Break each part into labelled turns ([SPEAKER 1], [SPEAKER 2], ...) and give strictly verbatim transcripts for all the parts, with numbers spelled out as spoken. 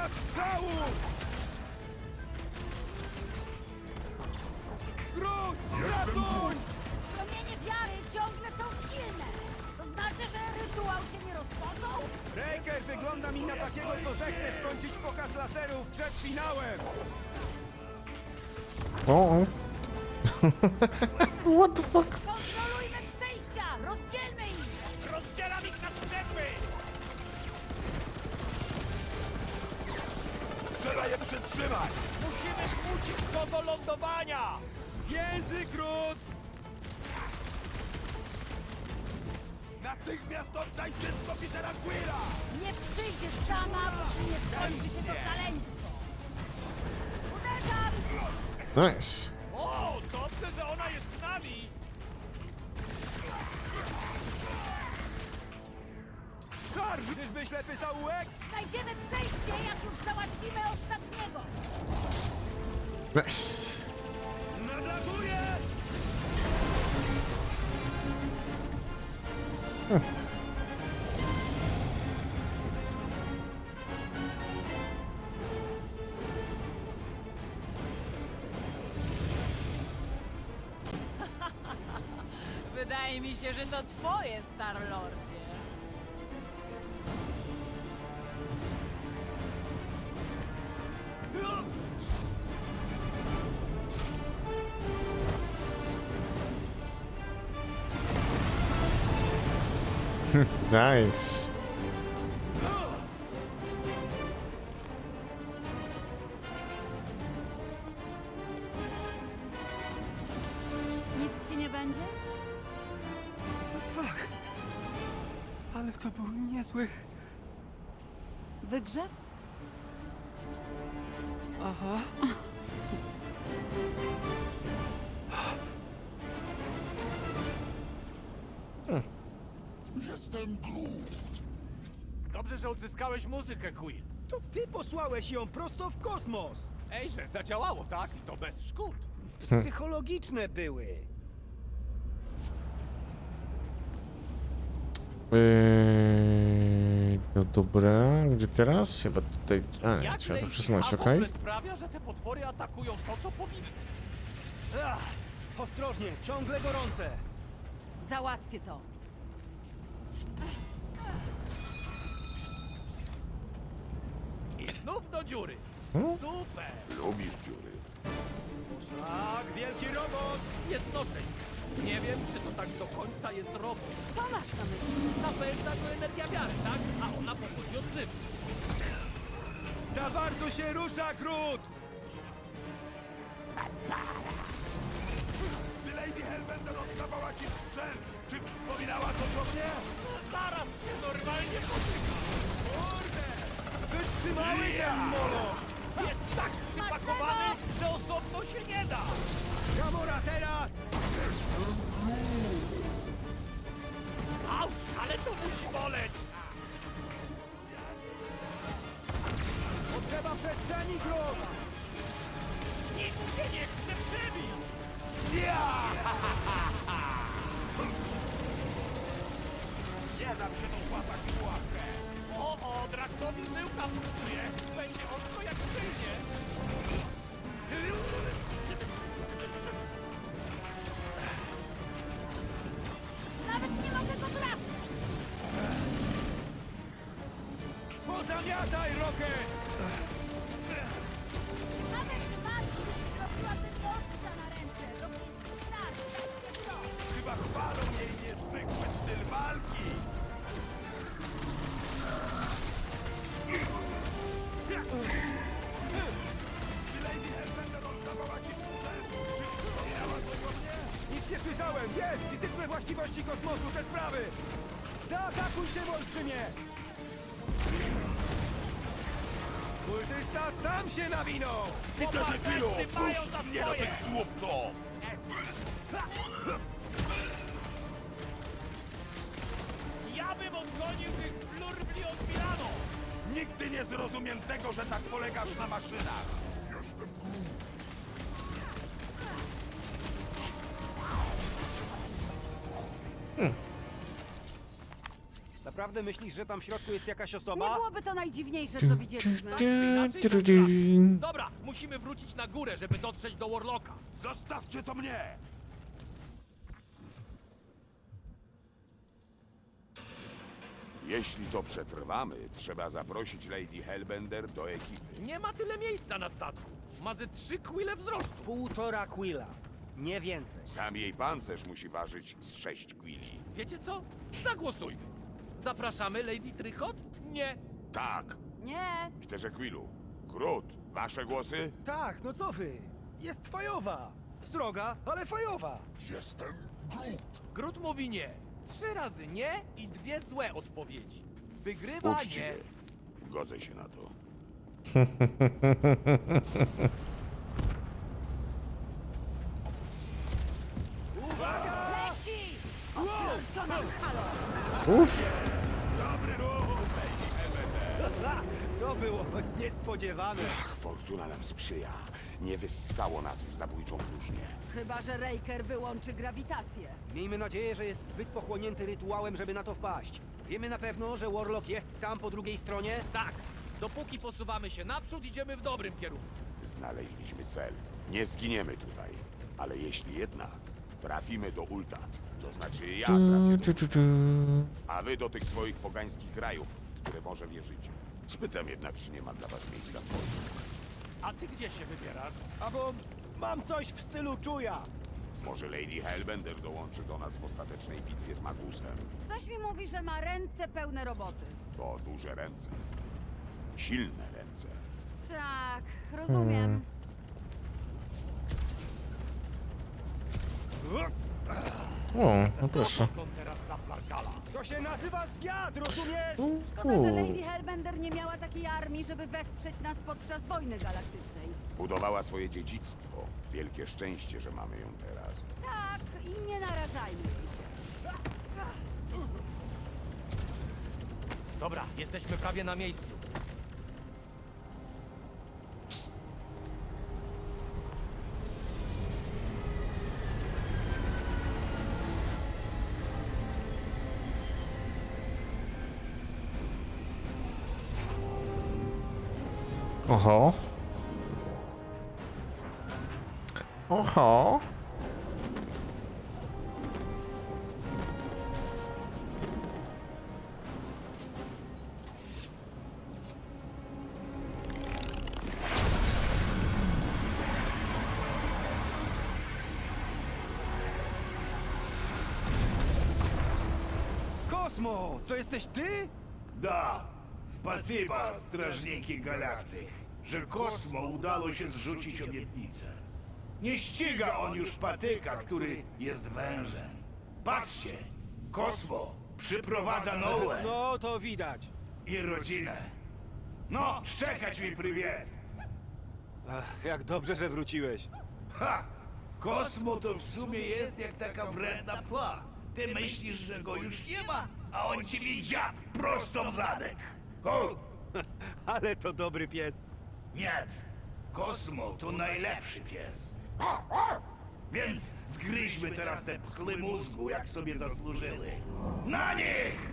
[SPEAKER 1] strzału! Groot, ratuj!
[SPEAKER 2] Promienie wiary ciągle są silne. To znaczy, że rytuał się nie rozpoczął?
[SPEAKER 1] Breaker wygląda mi na takiego, co zechce skończyć pokaz laserów przed finałem!
[SPEAKER 3] O! What the fuck?
[SPEAKER 2] Kontrolujmy przejścia! Rozdzielmy ich!
[SPEAKER 4] Rozdzielam ich na strzępy!
[SPEAKER 1] Trzeba je przytrzymać!
[SPEAKER 4] Musimy zmusić go do lądowania!
[SPEAKER 1] Więzy, Groot! Natychmiast oddaj wszystko Petera Quilla!
[SPEAKER 2] Nie przyjdzie sama, póki nie skończy się to szaleństwo! Uderzam!
[SPEAKER 3] Nice.
[SPEAKER 4] O, dobrze, że ona jest z nami!
[SPEAKER 1] Szarż! Czyżby ślepy zaułek?
[SPEAKER 2] Znajdziemy przejście, jak już załatwimy ostatniego!
[SPEAKER 3] Nice.
[SPEAKER 1] Nadlatuje!
[SPEAKER 2] Wydaje mi się, że to twoje, Star-Lordzie.
[SPEAKER 3] Nice.
[SPEAKER 2] Nic ci nie będzie?
[SPEAKER 1] Tak. Ale to był niezły...
[SPEAKER 2] Wygrzew?
[SPEAKER 1] Aha.
[SPEAKER 4] Dobrze, że odzyskałeś muzykę, Quill.
[SPEAKER 1] To ty posłałeś ją prosto w kosmos!
[SPEAKER 4] Ej, że zadziałało, tak? I to bez szkód.
[SPEAKER 1] Psychologiczne były.
[SPEAKER 3] Yy, no dobra, gdzie teraz? Chyba tutaj. A, nie,
[SPEAKER 4] Jak
[SPEAKER 3] trzeba to
[SPEAKER 4] Lady
[SPEAKER 3] przesunąć,
[SPEAKER 4] A w
[SPEAKER 3] okej?
[SPEAKER 4] ogóle sprawia, że te potwory atakują to, co powinny?
[SPEAKER 1] Ach, ostrożnie, ciągle gorące!
[SPEAKER 2] Załatwię to.
[SPEAKER 4] I znów do dziury.
[SPEAKER 3] Hmm?
[SPEAKER 4] Super!
[SPEAKER 5] Lubisz dziury.
[SPEAKER 1] Tak, wielki robot!
[SPEAKER 4] Nie znoszę ich. Nie wiem, czy to tak do końca jest robot.
[SPEAKER 2] Co masz na myśli?
[SPEAKER 4] Napędza go energia wiary, tak? A ona pochodzi od żywy.
[SPEAKER 1] Za bardzo się rusza, Groot!
[SPEAKER 5] Gdy Lady Hellbender oddawała ci sprzęt, czy wspominała coś o mnie?
[SPEAKER 4] Zaraz się normalnie potyka.
[SPEAKER 1] Kurde! Wytrzymały ten molo!
[SPEAKER 4] Jest tak przypakowany, że osobno się nie da.
[SPEAKER 1] Gamora teraz!
[SPEAKER 4] Auć, ale to musi boleć.
[SPEAKER 1] Potrzeba przestrzeni, Groot!
[SPEAKER 4] Nic się nie chce przebić.
[SPEAKER 5] Nie dam się dopłatać w łapkę.
[SPEAKER 4] O, o, Draxowi żyłka pulsuje. Będzie ostro jak przyjdzie.
[SPEAKER 2] Nawet nie mogę go trafić!
[SPEAKER 1] Pozamiataj, Rocket!
[SPEAKER 2] Nawet walki zrobiłaby ostrza na ręce. Robiski strat, takie to.
[SPEAKER 5] Chyba chwalą jej niezwykły styl walki. Gdy Lady Hellbender oddawała ci sprzęt, czy wspominała coś o mnie?
[SPEAKER 1] Nic nie słyszałem! Jest! Fizyczne właściwości kosmosu, te sprawy! Zaatakuj tym olbrzymie! Kultysta sam się nawinął!
[SPEAKER 5] Peterze Quillu,
[SPEAKER 4] Chłopacy mają
[SPEAKER 5] puść
[SPEAKER 4] za
[SPEAKER 5] mnie do
[SPEAKER 4] swoje.
[SPEAKER 5] tych głupców!
[SPEAKER 4] Ja bym odgonił tych flurbli od Milano.
[SPEAKER 5] Nigdy nie zrozumiem tego, że tak polegasz na maszynach. Jestem
[SPEAKER 1] Naprawdę myślisz, że tam w środku jest jakaś
[SPEAKER 2] Nie
[SPEAKER 1] osoba?
[SPEAKER 2] byłoby to najdziwniejsze, co widzieliśmy.
[SPEAKER 4] inaczej to strach. Dobra, musimy wrócić na górę, żeby dotrzeć do Warlocka.
[SPEAKER 5] Zostawcie to mnie! Jeśli to przetrwamy, trzeba zaprosić Lady Hellbender do ekipy.
[SPEAKER 4] Nie ma tyle miejsca na statku. Ma ze trzy kwile wzrostu.
[SPEAKER 1] Półtora quilla. Nie więcej.
[SPEAKER 5] Sam jej pancerz musi ważyć z sześć quili.
[SPEAKER 4] Wiecie co? Zagłosujmy. Zapraszamy Lady Trykot? Nie.
[SPEAKER 5] Tak,
[SPEAKER 2] Nie,
[SPEAKER 5] Peterze Quillu. Grut, wasze głosy?
[SPEAKER 1] Tak, no co wy? Jest fajowa. Sroga, ale fajowa.
[SPEAKER 5] Jestem Grut.
[SPEAKER 4] Grut mówi nie. Trzy razy nie i dwie złe odpowiedzi. Wygrywa nie.
[SPEAKER 5] Uczciwie. Godzę się na to.
[SPEAKER 2] leci! Oświadczona halo!
[SPEAKER 3] Uff.
[SPEAKER 5] Dobry ruch, Lady Hellbender.
[SPEAKER 1] Ha, to było niespodziewane.
[SPEAKER 5] Ach, fortuna nam sprzyja. Nie wyssało nas w zabójczą próżnię.
[SPEAKER 2] Chyba że Raker wyłączy grawitację.
[SPEAKER 1] Miejmy nadzieję, że jest zbyt pochłonięty rytuałem, żeby na to wpaść. Wiemy na pewno, że Warlock jest tam po drugiej stronie?
[SPEAKER 4] Tak. Dopóki posuwamy się naprzód, idziemy w dobrym kierunku.
[SPEAKER 5] Znaleźliśmy cel. Nie zginiemy tutaj. Ale jeśli jednak trafimy do Ultat, to znaczy ja trafię do...
[SPEAKER 3] Tu, tu, tu.
[SPEAKER 5] A wy do tych swoich pogańskich krajów, w które może wierzycie. Spytam jednak, czy nie ma dla was miejsca w Polsce.
[SPEAKER 4] A ty gdzie się wybierasz?
[SPEAKER 1] Albo mam coś w stylu czuja.
[SPEAKER 5] Może Lady Hellbender dołączy do nas w ostatecznej bitwie z Magusem.
[SPEAKER 2] Coś mi mówi, że ma ręce pełne roboty.
[SPEAKER 5] To duże ręce. Silne ręce.
[SPEAKER 2] Tak, rozumiem.
[SPEAKER 3] O, no proszę.
[SPEAKER 4] On teraz za Flarkala.
[SPEAKER 1] To się nazywa zwiat, rozumiesz?
[SPEAKER 2] Szkoda, że Lady Hellbender nie miała takiej armii, żeby wesprzeć nas podczas wojny galaktycznej.
[SPEAKER 5] Budowała swoje dziedzictwo. Wielkie szczęście, że mamy ją teraz.
[SPEAKER 2] Tak, i nie narażajmy jej się.
[SPEAKER 4] Dobra, jesteśmy prawie na miejscu.
[SPEAKER 3] Oho. Oho.
[SPEAKER 1] Kosmo, to jesteś ty?
[SPEAKER 6] Да, спасибо, strażniki galaktyk, że Kosmo udało się zrzucić obietnicę. Nie ściga on już patyka, który jest wężem. Patrzcie, Kosmo przyprowadza Noe
[SPEAKER 1] No, to widać.
[SPEAKER 6] i rodzinę. No, szczekać mi prywiet.
[SPEAKER 1] Ach, jak dobrze, że wróciłeś.
[SPEAKER 6] Ha! Kosmo to w sumie jest jak taka wredna pla. Ty myślisz, że go już nie ma, a on ciebie dziab prosto w zadek. O!
[SPEAKER 1] Ale to dobry pies.
[SPEAKER 6] Nie, Kosmo to najlepszy pies. Więc zgryźmy teraz te pchły mózgu, jak sobie zasłużyły. Na nich!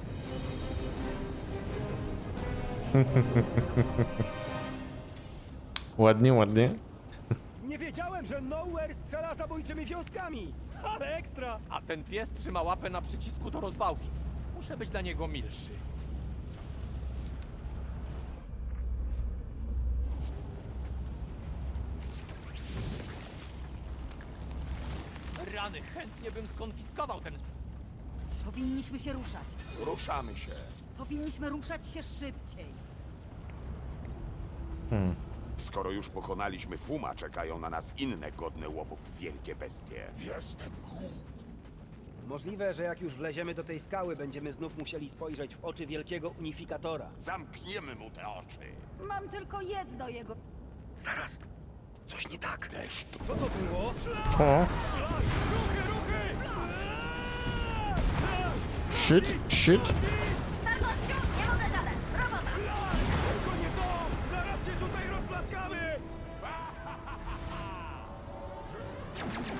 [SPEAKER 3] Ładnie, ładnie.
[SPEAKER 1] Nie wiedziałem, że Nowhere strzela zabójczymi wiązkami. Ale ekstra.
[SPEAKER 4] A ten pies trzyma łapę na przycisku do rozwałki. Muszę być dla niego milszy. Rany, chętnie bym skonfiskował ten... st-
[SPEAKER 2] Powinniśmy się ruszać.
[SPEAKER 5] Ruszamy się.
[SPEAKER 2] Powinniśmy ruszać się szybciej.
[SPEAKER 5] Skoro już pokonaliśmy Fuma, czekają na nas inne godne łowów wielkie bestie. Jestem
[SPEAKER 1] Możliwe, że jak już wleziemy do tej skały, będziemy znów musieli spojrzeć w oczy wielkiego unifikatora.
[SPEAKER 5] Zamkniemy mu te oczy.
[SPEAKER 2] Mam tylko jedno jego...
[SPEAKER 1] Zaraz. Coś nie tak.
[SPEAKER 5] Deszcz to
[SPEAKER 1] Co to było?
[SPEAKER 3] O. Shit, shit.
[SPEAKER 1] Tylko nie to! Zaraz się tutaj rozplaskamy!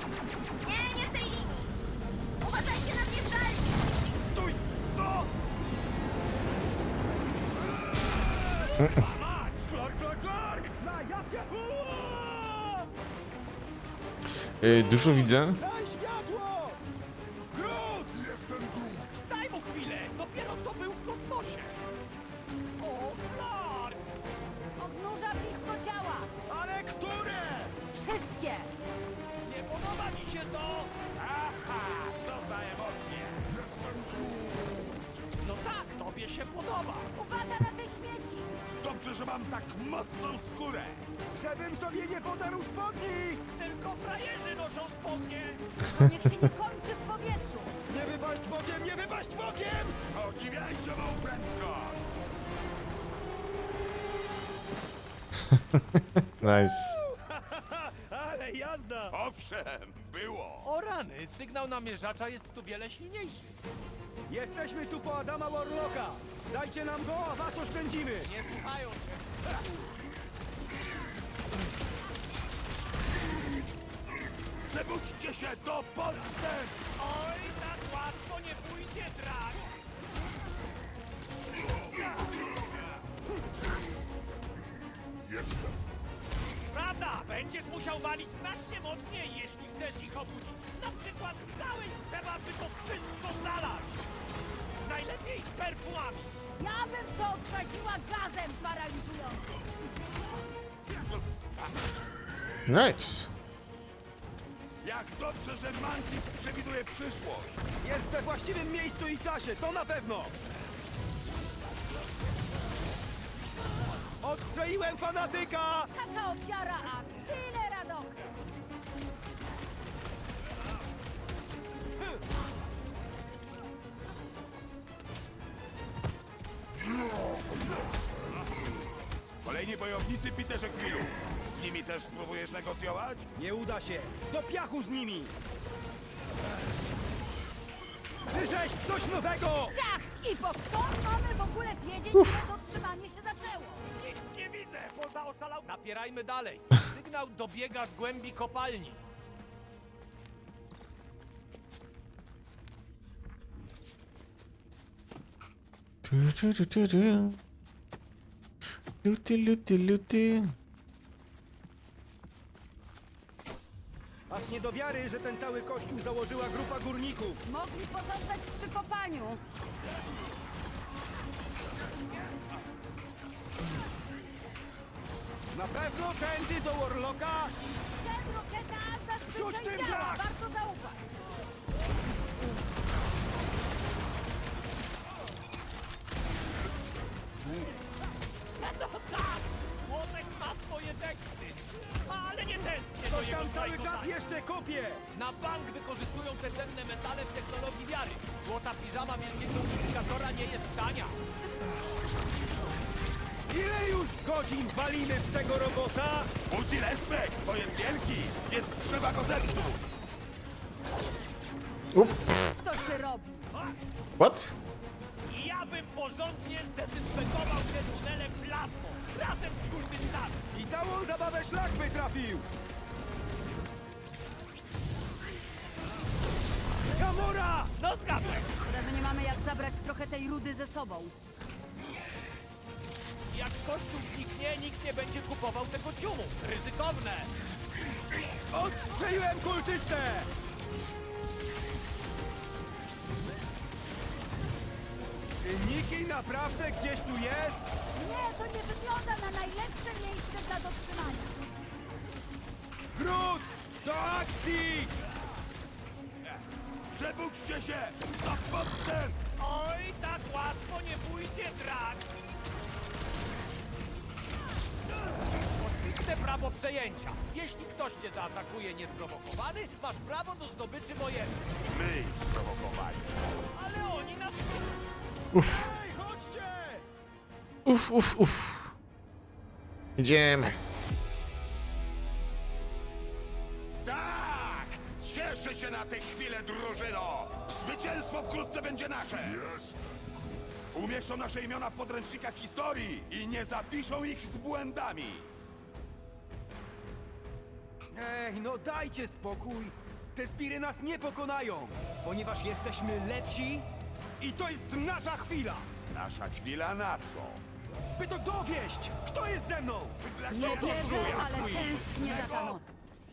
[SPEAKER 7] Nie, nie w tej linii! Uważajcie na mnie w dalej!
[SPEAKER 1] Stój! Co?
[SPEAKER 4] Mać! Flark, flark, flark!
[SPEAKER 1] Na jakie... Uaa!
[SPEAKER 3] Yy, dużo widzę.
[SPEAKER 1] Daj światło!
[SPEAKER 4] Groot! Jestem Groot! Daj mu chwilę! Dopiero co był w kosmosie! O, Flark!
[SPEAKER 2] Odnóża blisko ciała!
[SPEAKER 4] Ale które?
[SPEAKER 2] Wszystkie!
[SPEAKER 4] Nie podoba mi się to! Aha! Co za emocje! Jestem Groot! No tak, tobie się podoba!
[SPEAKER 2] Uwaga na te śmieci!
[SPEAKER 6] Dobrze, że mam tak mocną skórę.
[SPEAKER 1] Żebym sobie nie podarł spodni!
[SPEAKER 4] Tylko frajerzy noszą spodnie!
[SPEAKER 2] To niech się nie kończy w powietrzu!
[SPEAKER 1] Nie wypaść bokiem, nie wypaść bokiem!
[SPEAKER 6] Podziwiajcie mą prędkość.
[SPEAKER 3] Nice.
[SPEAKER 1] Ale jazda!
[SPEAKER 6] Owszem, było.
[SPEAKER 4] O rany, sygnał namierzacza jest tu wiele silniejszy.
[SPEAKER 1] Jesteśmy tu po Adama Warlocka! Dajcie nam go, a was oszczędzimy!
[SPEAKER 4] Nie słuchają się.
[SPEAKER 6] Przebudźcie się do podstęp.
[SPEAKER 4] Oj, tak łatwo nie pójdzie, drak!
[SPEAKER 6] Jestem.
[SPEAKER 4] Prawda, będziesz musiał walić znacznie mocniej, jeśli chcesz ich obudzić. Na przykład z całej trzeba by to wszystko zalać. Najlepiej z perfumami.
[SPEAKER 2] Ja bym to odtraciła gazem paraliżującym!
[SPEAKER 3] Nice.
[SPEAKER 6] Jak dobrze, że Mantis przewiduje przyszłość.
[SPEAKER 1] Jest we właściwym miejscu i czasie, to na pewno! Odstrzeliłem fanatyka!
[SPEAKER 2] Taka ofiara, a tyle radochy!
[SPEAKER 6] Kolejni bojownicy Peterze Quillu. Z nimi też spróbujesz negocjować?
[SPEAKER 1] Nie uda się! Do piachu z nimi! Wyrzeź coś nowego!
[SPEAKER 2] Ciach! I po skąd mamy w ogóle wiedzieć, że dotrzymanie się zaczęło?
[SPEAKER 4] Nic nie widzę, poza oszalał... Napierajmy dalej. Sygnał dobiega z głębi kopalni.
[SPEAKER 3] Tu, tu, tu, tu, tu. Luty, luty, luty.
[SPEAKER 1] Aż nie do wiary, że ten cały kościół założyła grupa górników.
[SPEAKER 2] Mogli pozostać przy kopaniu.
[SPEAKER 1] Na pewno tędy do Warlocka?
[SPEAKER 2] Ten roketa
[SPEAKER 1] Rzuć
[SPEAKER 2] zazwyczaj
[SPEAKER 1] tym
[SPEAKER 2] działa,
[SPEAKER 1] gaz!
[SPEAKER 2] warto zaufać.
[SPEAKER 4] No tak! Młotek ma swoje teksty. Ale nie tęsknię do
[SPEAKER 1] Coś
[SPEAKER 4] jego
[SPEAKER 1] tam cały czas
[SPEAKER 4] zajmowania.
[SPEAKER 1] jeszcze kopie!
[SPEAKER 4] Na bank wykorzystują te cenne metale w technologii wiary. Złota piżama wielkiego unifikatora nie jest tania.
[SPEAKER 1] Ile już godzin walimy w tego robota?
[SPEAKER 6] Budzi respekt, to jest wielki, więc trzeba go zepsuć.
[SPEAKER 2] To się robi.
[SPEAKER 3] What?
[SPEAKER 4] I ja bym porządnie zdezynfekował te tunele plazmą. Razem z kurdystami.
[SPEAKER 1] I całą zabawę szlak wytrafił! Gamora!
[SPEAKER 4] No zgadłem.
[SPEAKER 2] Szkoda, że nie mamy jak zabrać trochę tej rudy ze sobą.
[SPEAKER 4] Jak kościół zniknie, nikt nie będzie kupował tego ciumu. Ryzykowne.
[SPEAKER 1] Odstrzeliłem kultystę! Czy Niki naprawdę gdzieś tu jest?
[SPEAKER 2] Nie, to nie wygląda na najlepsze miejsce dla dotrzymania.
[SPEAKER 1] Groot! Do akcji!
[SPEAKER 6] Przebudźcie się do podstęp.
[SPEAKER 4] Oj, tak łatwo nie pójdzie, drak. Oczywiste prawo przejęcia. Jeśli ktoś cię zaatakuje niesprowokowany, masz prawo do zdobyczy wojennej.
[SPEAKER 6] My ich sprowokowali.
[SPEAKER 4] Ale oni nas...
[SPEAKER 1] Hej, chodźcie!
[SPEAKER 3] Uf, uf, uf. Idziemy.
[SPEAKER 6] Tak! Cieszę się na tę chwilę, drużyno! Zwycięstwo wkrótce będzie nasze! Jest! Umieszczą nasze imiona w podręcznikach historii i nie zapiszą ich z błędami!
[SPEAKER 1] Ej, no dajcie spokój! Te spiry nas nie pokonają, ponieważ jesteśmy lepsi i to jest nasza chwila!
[SPEAKER 6] Nasza chwila na co?
[SPEAKER 1] by to dowieść! Kto jest ze mną?
[SPEAKER 2] Nie wierzę, ale tęsknię za ta noc.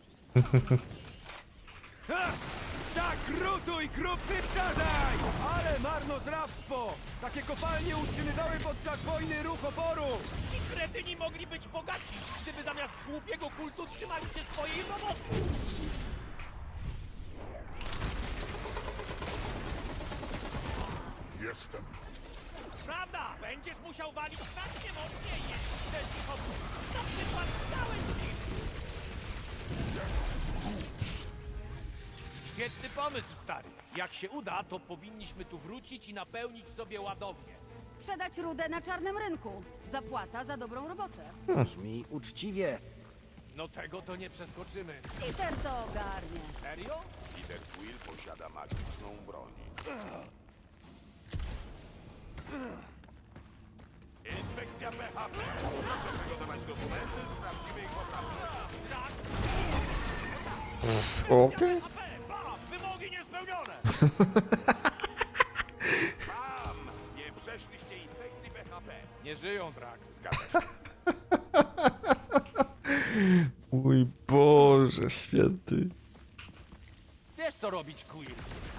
[SPEAKER 1] Ha! Zakrutuj, kruk, wyprzedzaj! Ale marnotrawstwo! Takie kopalnie utrzymywały podczas wojny ruch oporu!
[SPEAKER 4] Ci kretyni mogli być bogaci, gdyby zamiast głupiego kultu trzymali się swojej roboty.
[SPEAKER 6] Jestem.
[SPEAKER 4] Prawda, będziesz musiał walić znacznie mocniej, jeśli chcesz ich obudzić. Na przykład całej siły. Świetny pomysł, stary. Jak się uda, to powinniśmy tu wrócić i napełnić sobie ładownię.
[SPEAKER 2] Sprzedać rudę na czarnym rynku. Zapłata za dobrą robotę.
[SPEAKER 1] Brzmi uczciwie.
[SPEAKER 4] No tego to nie przeskoczymy.
[SPEAKER 2] Peter to ogarnie.
[SPEAKER 4] Serio?
[SPEAKER 5] Peter Quill posiada magiczną broń. Inspekcja P H P. Proszę przygotować dokumenty z prawdziwej poprawności.
[SPEAKER 3] Okej.
[SPEAKER 4] A P, bam, wymogi niespełnione!
[SPEAKER 5] Mam! Nie przeszliście inspekcji P H P.
[SPEAKER 4] Nie żyją, Drax.
[SPEAKER 5] Zgadza się.
[SPEAKER 3] Mój Boże święty.
[SPEAKER 4] Wiesz co robić, Quill.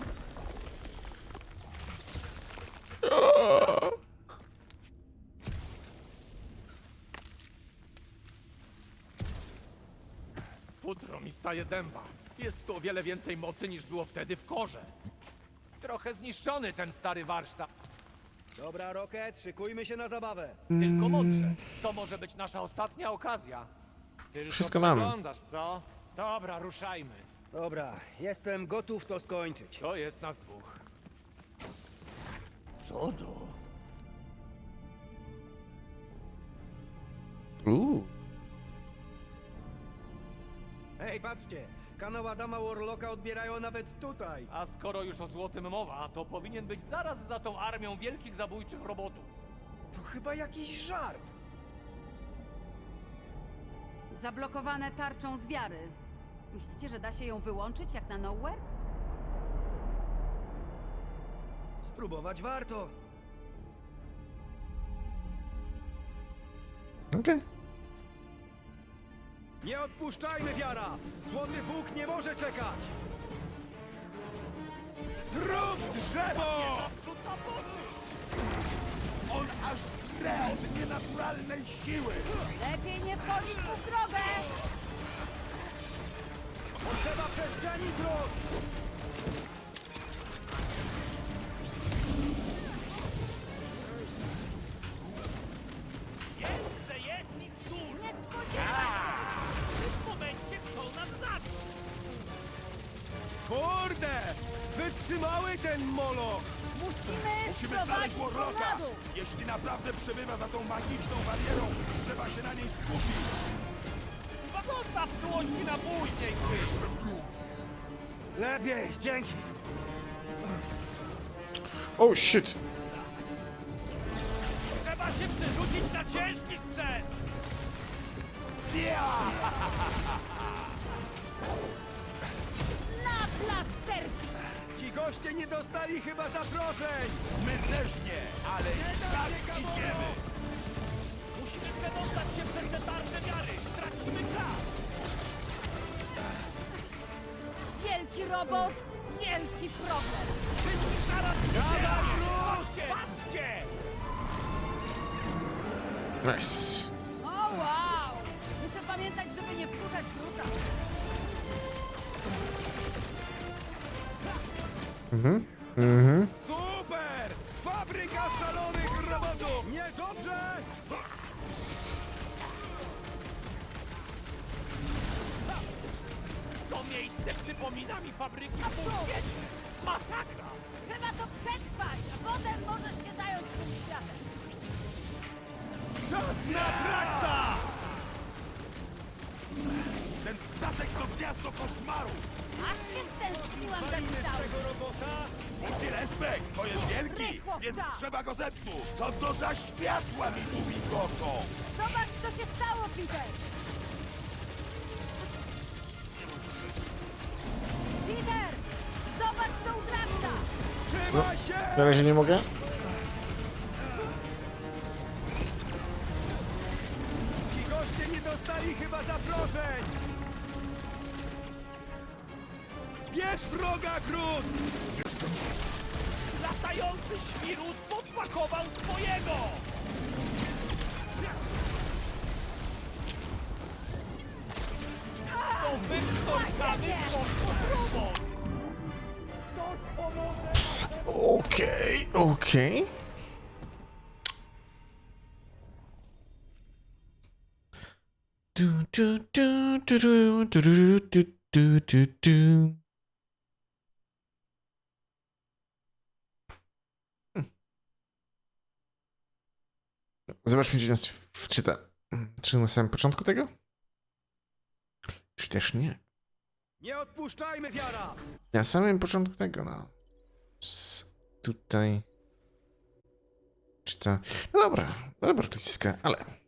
[SPEAKER 4] Futro mi staje dęba. Jest tu o wiele więcej mocy niż było wtedy w korze. Trochę zniszczony ten stary warsztat.
[SPEAKER 1] Dobra, Rocket, szykujmy się na zabawę.
[SPEAKER 4] Tylko mądrze. To może być nasza ostatnia okazja. Tylko
[SPEAKER 3] Wszystko mamy.
[SPEAKER 4] przeglądasz, co? Dobra, ruszajmy.
[SPEAKER 1] Dobra, jestem gotów to skończyć.
[SPEAKER 4] To jest nas dwóch.
[SPEAKER 1] Co do?
[SPEAKER 3] Uuu.
[SPEAKER 1] Hej, patrzcie! Kanał Adama Warlocka odbierają nawet tutaj!
[SPEAKER 4] A skoro już o złotym mowa, to powinien być zaraz za tą armią wielkich zabójczych robotów.
[SPEAKER 1] To chyba jakiś żart!
[SPEAKER 2] Zablokowane tarczą z wiary. Myślicie, że da się ją wyłączyć jak na Nowhere?
[SPEAKER 1] Spróbować warto!
[SPEAKER 3] Okej.
[SPEAKER 1] Nie odpuszczajmy, wiara! Złoty Bóg nie może czekać! Zrób drzewo!
[SPEAKER 4] Naprzód na boty!
[SPEAKER 5] On aż zre od nienaturalnej siły.
[SPEAKER 2] Lepiej nie wchodzić w drogę!
[SPEAKER 1] Potrzeba przestrzeni dróg!
[SPEAKER 4] Jest, że jest nim dużo!
[SPEAKER 2] Nie spodziewaj się!
[SPEAKER 4] W tym momencie chcą nas zabić!
[SPEAKER 1] Kurde! Wytrzymały ten moloch!
[SPEAKER 2] Musimy,
[SPEAKER 5] Musimy
[SPEAKER 2] sprowadzić
[SPEAKER 5] znaleźć
[SPEAKER 2] go
[SPEAKER 5] Warlocka.
[SPEAKER 2] na dół!
[SPEAKER 5] Jeśli naprawdę przebywa za tą magiczną barierą, trzeba się na niej skupić.
[SPEAKER 4] Chyba dostaw czułości na później, Quill!
[SPEAKER 1] Lepiej, dzięki!
[SPEAKER 3] Oh shit.
[SPEAKER 4] Trzeba się przerzucić na ciężki sprzęt!
[SPEAKER 2] Na plasterki!
[SPEAKER 1] Ci goście nie dostali chyba zaproszeń!
[SPEAKER 5] My też nie, ale i tak idziemy.
[SPEAKER 4] Musimy przedostać się przez te tarcze wiary! Tracimy czas!
[SPEAKER 2] Wielki robot, wielki problem!
[SPEAKER 4] Wszystkich naraz idziemy! Patrzcie! Patrzcie!
[SPEAKER 3] Nice.
[SPEAKER 2] O wow! Muszę pamiętać, żeby nie wkurzać druta.
[SPEAKER 3] Mhm. Mhm.
[SPEAKER 1] Super! Fabryka szalonych robotów! Niedobrze!
[SPEAKER 4] To miejsce przypomina mi fabryki w półświecie! Masakra!
[SPEAKER 2] Trzeba to przetrwać, a potem możesz się zająć tym światem.
[SPEAKER 1] Czas na Draxa!
[SPEAKER 5] Ten statek to gniazdo koszmaru.
[SPEAKER 2] Aż się stęskniłam za tym całym.
[SPEAKER 1] Tego robota?
[SPEAKER 5] Budzi respekt, to jest wielki,
[SPEAKER 2] Rychło,
[SPEAKER 5] więc
[SPEAKER 2] tak.
[SPEAKER 5] trzeba go zepsuć. Co to za światła mi tu migotą?
[SPEAKER 2] Zobacz, co się stało, Peter! Peter! Zobacz, co u Draxa!
[SPEAKER 1] Trzymaj się!
[SPEAKER 3] Na razie nie mogę.
[SPEAKER 1] Jeszcze nie dostali chyba zaproszeń! Bierz wroga, Grut!
[SPEAKER 4] Latający świrut podpakował swojego! To wykształcamy robot! Ktoś pomoże naszemu...
[SPEAKER 3] Okej, okej. Du, du, du, du, du, du, du, du, du, du, du. Zobaczmy, gdzie nas wczyta. Czy na samym początku tego? Czy też nie?
[SPEAKER 1] Nie odpuszczajmy, wiara!
[SPEAKER 3] Na samym początku tego, no. S tutaj. Czy to. No dobra, dobra, przyciska, ale.